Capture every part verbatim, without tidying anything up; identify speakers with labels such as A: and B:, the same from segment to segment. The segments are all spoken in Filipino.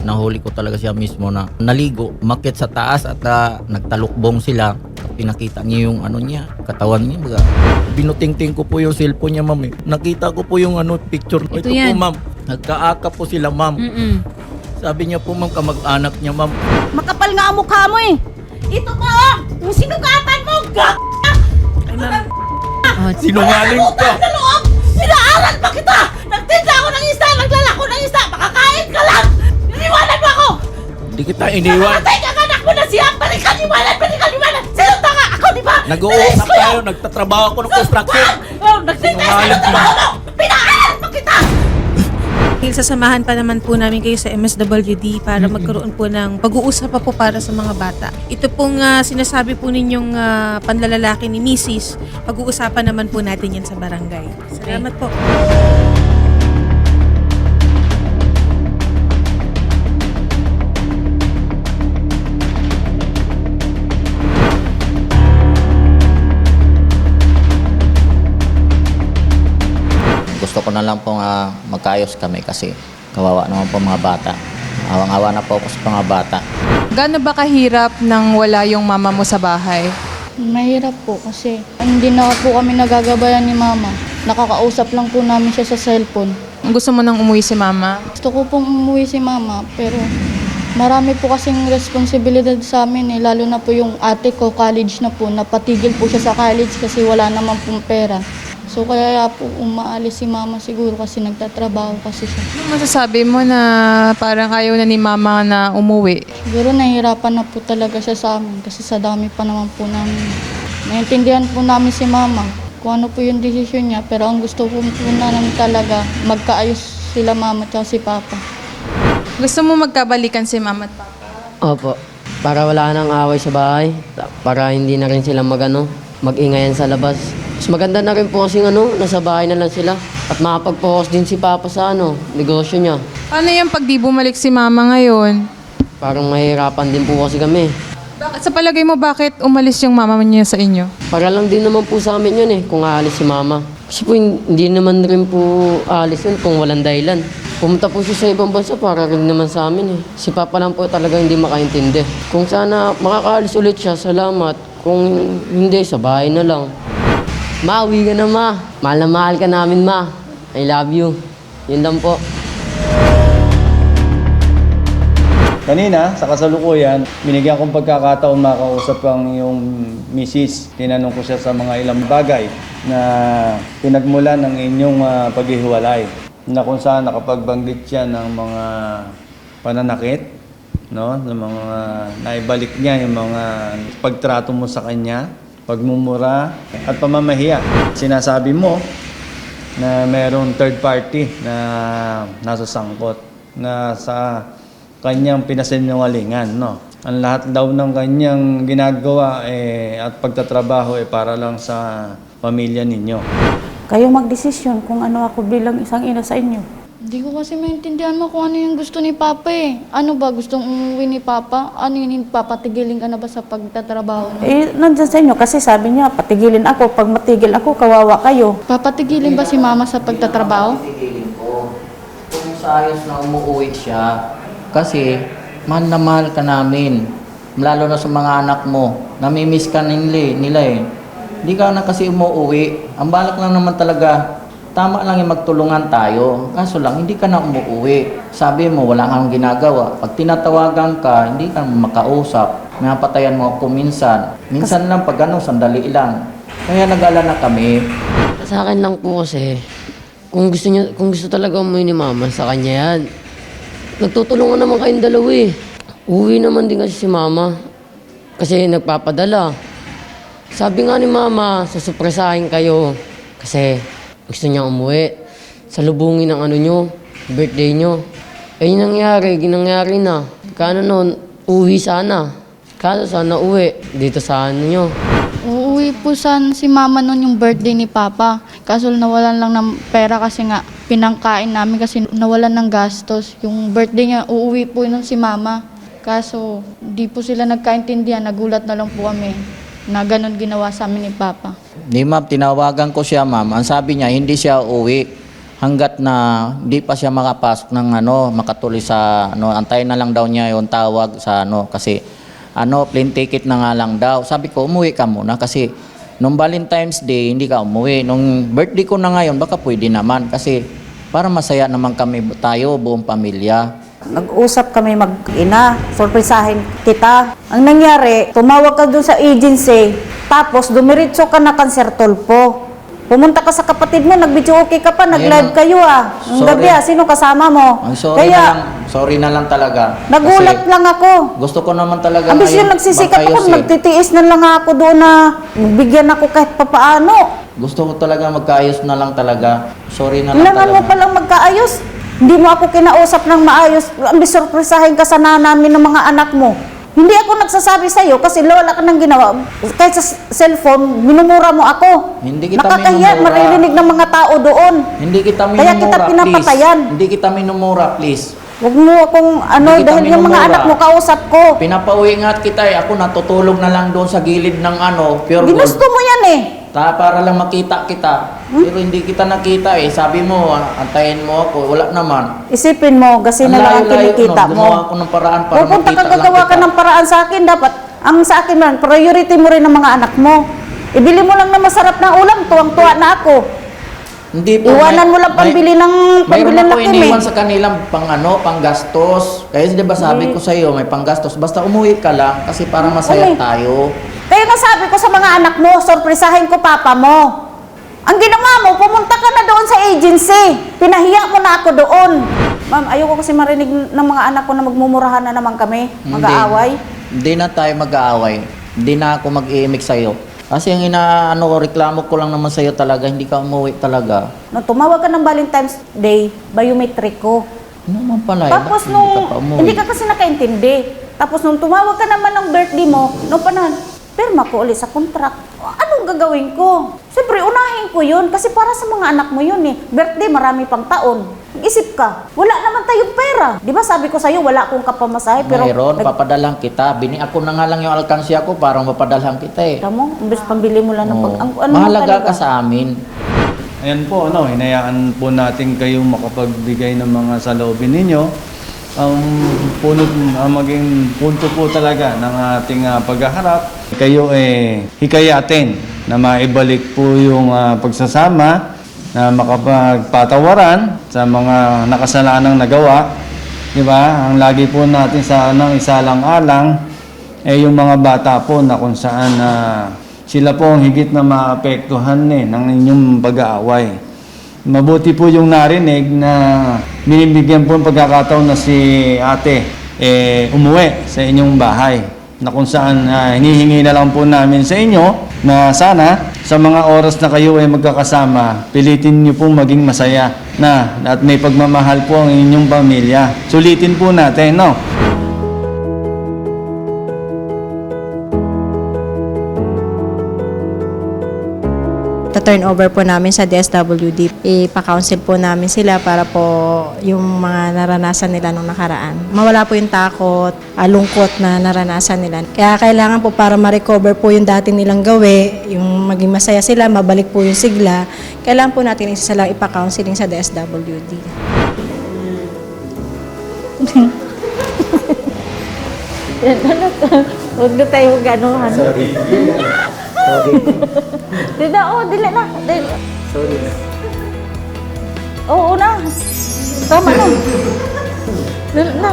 A: nahuli ko talaga siya mismo na naligo, umakyat sa taas at uh, nagtalukbong sila. Pinakita niya yung ano niya, katawan niya. Baga, binutingting ko po yung cellphone niya, ma'am. Eh. Nakita ko po yung ano, picture.
B: Ito,
A: Ito
B: yan.
A: po, ma'am. Nagkaaka po sila, ma'am.
B: Mm-mm.
A: Sabi niya po, ma'am, kamag-anak niya, ma'am.
C: Makapal nga ang mukha mo eh. Ito pa oh! Yung sinugatan mo! Gag!
B: Ay, ma'am. Oh,
A: Sinungaling ka!
C: Sa loob! Pinaaral pa kita! Nagtinda ako ng isda! Naglalako ng isda! Makakain ka lang! Iniwanan mo ako!
A: Hindi kita iniwan.
C: Namatay ka anak mo na siya! Balikan iwanan! Balikan iwanan! Sino tanga? Ako, di ba?
A: Nag-uusap tayo, nagtatrabaho ako ng construction.
C: Oh, nagtinda sa
A: Sinungaling ka.
C: trabaho mo! Pinaaral pa kita!
B: Sasamahan pa naman po namin kayo sa M S W D para magkaroon po ng pag-uusap pa po para sa mga bata. Ito pong ah, sinasabi po ninyong ah, panlalalaki ni Missus Pag-uusapan naman po natin yan sa barangay. Salamat po.
A: Gusto ko na lang pong uh, magkaayos kami kasi kawawa naman po mga bata. Awang-awa na po ako sa mga bata.
D: Gaano ba kahirap nang wala yung mama mo sa bahay?
E: Mahirap po kasi hindi na po kami nagagabayan ni mama. Nakakausap lang po namin siya sa cellphone.
D: Gusto mo nang umuwi si mama?
E: Gusto ko pong umuwi si mama pero marami po kasing responsibilidad sa amin eh. Lalo na po yung ate ko, college na po. Napatigil po siya sa college kasi wala naman pong pera. So kaya po umaalis si mama siguro kasi nagtatrabaho kasi siya.
D: Ano masasabi mo na parang ayaw na ni mama na umuwi?
E: Siguro nahihirapan na po talaga siya sa amin kasi sa dami pa naman po namin. Naintindihan po namin si mama kung ano po yung desisyon niya pero ang gusto po po namin talaga magkaayos sila mama at si papa.
D: Gusto mo magkabalikan si mama at papa?
F: Opo. Para wala nang away sa bahay. Para hindi na rin sila magano, mag-ingayan sa labas. Mas maganda na rin po kasi ano, nasa bahay na lang sila. At makapag-focus din si Papa sa ano, negosyo niya.
D: Paano yung pag di bumalik si mama ngayon?
F: Parang mahirapan din po kasi kami.
D: Bakit sa palagay mo bakit umalis yung mama niya sa inyo?
F: Para lang din naman po sa amin yun eh, kung aalis si Mama. Kasi po hindi naman rin po aalis yun kung walang dahilan. Pumunta po siya sa ibang bansa para rin naman sa amin eh. Si Papa lang po talaga hindi makaintindi. Kung sana makakaalis ulit siya, salamat. Kung hindi, sa bahay na lang. Ma, uwi ka na ma. Mahal na mahal ka namin ma. I love you. Yun lang po.
G: Kanina, sa kasalukuyan, binigyan kong pagkakataon makausap ang iyong misis. Tinanong ko siya sa mga ilang bagay na pinagmulan ng inyong uh, paghihiwalay. Na kung saan nakapagbanggit siya ng mga pananakit, no? Ng mga naibalik niya, yung mga pagtrato mo sa kanya, pagmumura at pamamahiya. Sinasabi mo na mayroong third party na nasa sangkot na sa kanyang pinasinungalingan, no? Ang lahat daw ng kanyang ginagawa eh, at pagtatrabaho eh, para lang sa pamilya ninyo.
C: Kayo magdesisyon kung ano ako bilang isang ina sa inyo.
E: Hindi ko kasi maintindihan mo kung ano yung gusto ni Papa eh. Ano ba gustong umuwi ni Papa? Ano yun, papatigilin ka na ba sa pagtatrabaho mo?
C: Eh, nandyan sa inyo kasi sabi niya, patigilin ako. Pag matigil ako, kawawa kayo.
E: Papatigilin ba si Mama sa pagtatrabaho?
A: Titigilin ko. Kung sa ayos na umuwi siya, kasi mahal na mahal ka namin. Lalo na sa mga anak mo. Namimiss ka nila, nila eh. Hindi ka na kasi umuwi. Ang balak lang naman talaga, tama lang yung magtulungan tayo. Kaso lang, hindi ka na umuwi. Sabi mo, wala kang ginagawa. Pag tinatawagan ka, hindi ka makausap. Napatayan mo ako minsan. Minsan lang pag ano, sandali lang. Kaya nag-alala kami.
F: Sa akin lang po kasi, kung gusto niya, kung gusto talaga umuwi ni Mama, sa kanya yan. Nagtutulungan naman kayong dalawa eh. Uwi naman din kasi si Mama. Kasi nagpapadala. Sabi nga ni Mama, susupresahin kayo. Kasi gusto niya umuwi. Salubungin ang ano nyo, birthday nyo. Eh yung nangyari, ginangyari na. Kano noon, uwi sana. Kaso sana uwi, dito sa ano nyo.
E: Uuwi po sana si Mama noon yung birthday ni Papa. Kaso nawalan lang ng pera kasi nga pinangkain namin kasi nawalan ng gastos. Yung birthday niya, uuwi po nun si Mama. Kaso di po sila nagkaintindihan, nagulat na lang po kami na ganun ginawa sa amin ni Papa.
A: Di ma'am, tinawagan ko siya ma'am. Ang sabi niya, hindi siya uwi. hanggat na hindi pa siya makapasok ng ano, makatuloy sa ano, antayin na lang daw niya yung tawag sa ano kasi ano, plane ticket na nga lang daw. Sabi ko, umuwi ka muna kasi nung Valentine's Day, hindi ka umuwi. Nung birthday ko na ngayon, baka pwede naman kasi para masaya naman kami tayo, buong pamilya.
C: Nag-usap kami mag-ina, sorpresahin kita. Ang nangyari, tumawag ka dun sa agency, tapos dumiritso ka na Cancer Tulpo. Pumunta ka sa kapatid mo, nag-video okay ka pa, nag-live
A: Ayun,
C: kayo ah. Ang
A: sorry.
C: gabi ah, sino kasama mo?
A: Ang sorry
C: Kaya,
A: na lang, sorry na lang talaga.
C: nagulat
A: Kasi
C: lang ako.
A: gusto ko naman talaga
C: Abis yun, nagsisikap ako,
A: magkaayos eh.
C: nagtitiis na lang ako doon na bigyan ako kahit papaano.
A: Gusto ko talaga magkaayos na lang talaga. Sorry na lang
C: Kailangan mo
A: talaga.
C: palang magkaayos. Hindi mo ako kinausap ng maayos. Ang bisurpresahin ka sana namin ng mga anak mo. Hindi ako nagsasabi sa'yo kasi wala ka nang ginawa. Kahit sa s- cellphone, minumura mo ako.
A: Hindi kita
C: Nakakahiya,
A: minumura.
C: maririnig ng mga tao doon.
A: Hindi kita minumura,
C: Kaya kita pinapatayan.
A: please. Hindi kita minumura, please.
C: Huwag mo akong ano,
A: Hindi kita
C: dahil yung mga
A: minumura.
C: anak mo kausap ko.
A: Pinapauwi nga kita eh. Ako natutulog na lang doon sa gilid ng ano, pure gold.
C: Ginusto mo yan eh.
A: Ta, para lang makita kita. Pero hindi kita nakita eh. Sabi mo, ah, antayin mo ako. Wala naman.
C: Isipin mo, kasi na lang ang
A: layo-layo
C: kinikita
A: nun.
C: mo.
A: Gumawa ako ng paraan para
C: Pupunta
A: makita
C: ka
A: lang
C: gagawa
A: kita.
C: ka ng paraan sa akin. Dapat, ang sa akin man, priority mo rin ng mga anak mo. Ibili mo lang na masarap na ulam, tuwang-tuwa na ako.
A: Hindi po.
C: Iwanan
A: may-
C: mo lang
A: may-
C: pambili ng
A: Mayroon
C: pambili ng
A: ako
C: lakim
A: iniwan
C: eh.
A: sa kanilang pang ano, pang gastos. Kaya di ba sabi ko sa iyo, may panggastos. Basta umuwi ka lang kasi para masaya
C: Umuwi.
A: tayo.
C: Kaya nga sabi ko sa mga anak mo, sorpresahin ko papa mo. Ang ginawa mo, pumunta ka na doon sa agency. Pinahiya mo na ako doon. Ma'am, ayoko kasi marinig ng mga anak ko na magmumurahan na naman kami, mag-aaway.
A: Hindi, hindi na tayo mag-aaway. Hindi na ako mag-iimik sa iyo. Kasi ang inaano ko, reklamo ko lang naman sa iyo talaga, hindi ka umuwi talaga.
C: Nung tumawag ka ng Valentine's Day, biometric ko.
A: Ano naman pala eh,
C: Tapos
A: bakit
C: nung,
A: hindi ka pa umuwi?
C: hindi ka kasi nakaintindi. Tapos nung tumawag ka naman ng birthday mo, nung panahon, pirma ko ulit sa contract. Anong gagawin ko? Siyempre, unahin ko yun kasi para sa mga anak mo yun eh. Birthday, marami pang taon. Mag-isip ka, wala naman tayong pera. Di ba sabi ko sa'yo, wala akong kapamasahe. Pero
A: Mayroon,
C: nag-
A: papadalhan kita. Bini ako na nga lang yung alkansya ko para mapadalhan kita eh.
C: Tamo, imbes pambili mo lang ng pag...
A: Oo.
C: Ang, ano
A: Mahalaga
C: talaga?
A: ka sa amin.
G: Ayan po, ano, hinayaan po natin kayong makapagbigay ng mga saloobin ninyo. Ang punot, ang maging punto po talaga ng ating ah, paghaharap, kayo eh hikayatin na maibalik po yung ah, pagsasama, na makapagpatawaran sa mga nakasalanang nagawa. Di ba? Ang lagi po natin sa anong isalang-alang eh yung mga bata po na kung saan ah, sila po ang higit na maapektuhan eh, ng inyong pag-aaway. Mabuti po yung narinig na binibigyan po ng pagkakataon na si ate eh, umuwi sa inyong bahay. Na kung saan ah, hinihingi na lang po namin sa inyo na sana sa mga oras na kayo ay magkakasama, pilitin niyo pong maging masaya na at may pagmamahal po ang inyong pamilya. Sulitin po natin, no?
H: Ta-turn over po namin sa D S W D. Ipa-counsel po namin sila para po yung mga naranasan nila nung nakaraan. Mawala po yung takot, ah, lungkot na naranasan nila. Kaya kailangan po para ma-recover po yung dati nilang gawi, yung maging masaya sila, mabalik po yung sigla, kailangan po natin isa lang ipa-counseling sa D S W D.
C: Huwag na tayo gano'n. Sorry. Sorry. Di na, oh, dili na. Dili.
A: Sorry na.
C: Oo na. Tama na. Dili na.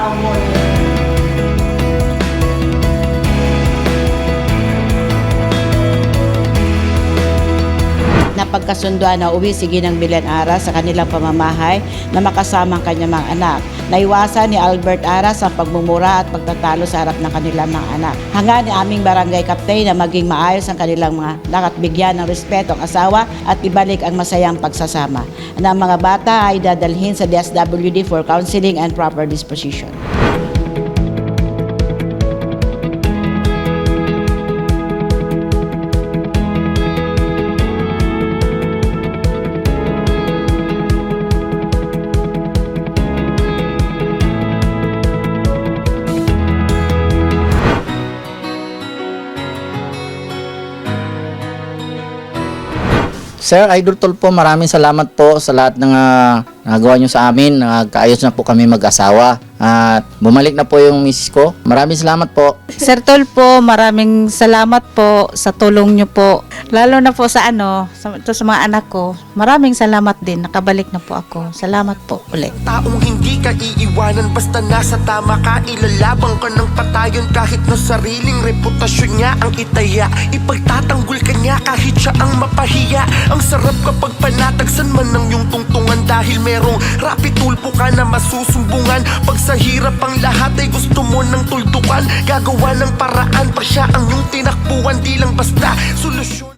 I: Napagkasunduan na uwi si Ginang Belen Ara sa kanilang pamamahay na makasama ang kanyang mga anak. Naiwasan ni Albert Aras ang pagmumura at pagtatalo sa harap ng kanilang mga anak. Hanga ni aming barangay captain na maging maayos ang kanilang mga anak at bigyan ng respeto ang asawa at ibalik ang masayang pagsasama. Ang mga bata ay dadalhin sa D S W D for counseling and proper disposition.
A: Sir Idol Tulfo, maraming salamat po sa lahat ng uh, nagawa nyo sa amin. Nagkaayos na po kami mag-asawa. At bumalik na po yung misis ko. Maraming salamat po.
C: Sir Tulfo, maraming salamat po sa tulong nyo po. Lalo na po sa ano, sa, to sa mga anak ko. Maraming salamat din. Nakabalik na po ako. Salamat po ulit.
J: Taong hindi ka iiwanan basta nasa tama ka. Ilalabang ka ng patayon kahit na sariling reputasyon niya ang itaya. Ipagtatanggol ka niya kahit siya ang mapahiya. Ang sarap kapag panatagsan man ng iyong tungtungan dahil merong Rapi Tulfo ka na masusumbungan. Pag sa hirap ang lahat ay gusto mo ng tuldukan, gagawa ng paraan pa siya ang iyong tinakbuhan, di lang basta solusyon.